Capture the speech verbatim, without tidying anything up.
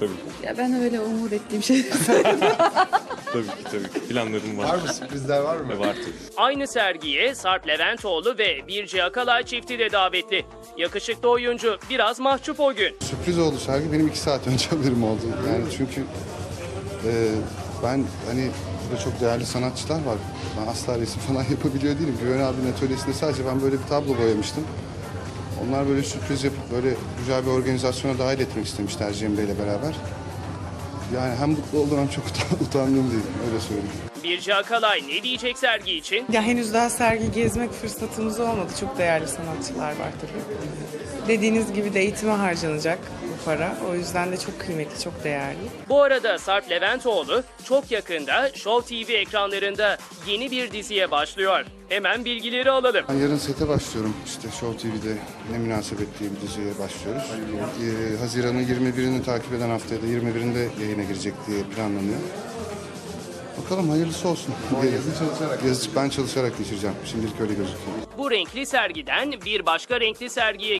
Tabii ki. Ya ben öyle umut ettiğim şey Tabii ki tabii ki. Planlarım var. Var mı, sürprizler var mı? Ve var tabii. Aynı sergiye Sarp Leventoğlu ve Birce Akalay çifti de davetli. Yakışıklı oyuncu biraz mahcup o gün. Sürpriz oldu sergi. Benim iki saat önce haberim oldu. Yani çünkü e, ben hani burada çok değerli sanatçılar var. Ben asla resim falan yapabiliyor değilim. Güven abinin atölyesinde sadece ben böyle bir tablo boyamıştım. Onlar böyle sürpriz yapıp böyle güzel bir organizasyona dahil etmek istemişler Cemre ile beraber. Yani hem mutlu oldum hem çok utan- utandım diyeyim, öyle söyleyeyim. Birce Akalay ne diyecek sergi için? Ya henüz daha sergi gezmek fırsatımız olmadı. Çok değerli sanatçılar var tabii. Dediğiniz gibi de eğitime harcanacak bu para. O yüzden de çok kıymetli, çok değerli. Bu arada Sarp Leventoğlu çok yakında Show T V ekranlarında yeni bir diziye başlıyor. Hemen bilgileri alalım. Ben yarın sete başlıyorum. İşte Show T V'de Ne Münasebet diye bir diziye başlıyoruz. Ee, Haziran'ın yirmi birini takip eden haftaya da yirmi birinde yayına girecek diye planlanıyor. Bakalım hayırlısı olsun. Yazı çalışarak. Yazı ben çalışarak geçireceğim. Şimdilik öyle gözüküyor. Bu renkli sergiden bir başka renkli sergiye